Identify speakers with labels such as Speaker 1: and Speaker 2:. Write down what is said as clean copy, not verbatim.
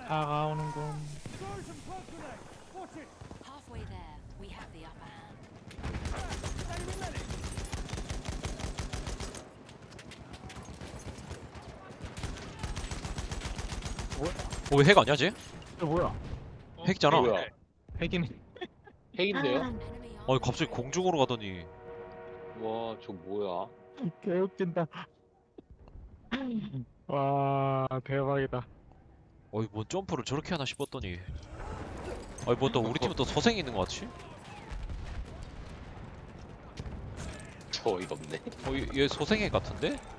Speaker 1: 다가오는군.
Speaker 2: Halfway there, we have the upper hand.
Speaker 3: 왜 핵 아니야 쟤?
Speaker 1: 이거 뭐야?
Speaker 3: 핵이잖아.
Speaker 4: 뭐야?
Speaker 1: 핵이네.
Speaker 4: 핵인데요?
Speaker 2: Enemy
Speaker 3: 아니 갑자기 공중으로 가더니.
Speaker 4: 와, 저 뭐야?
Speaker 1: 개웃긴다. 와 대박이다.
Speaker 3: 어이 뭔 점프를 저렇게 하나 싶었더니. 아니 뭐 또 우리 팀은 또 소생이 있는 거 같지?
Speaker 4: 저 어이가 없네.
Speaker 3: 얘 소생애 같은데?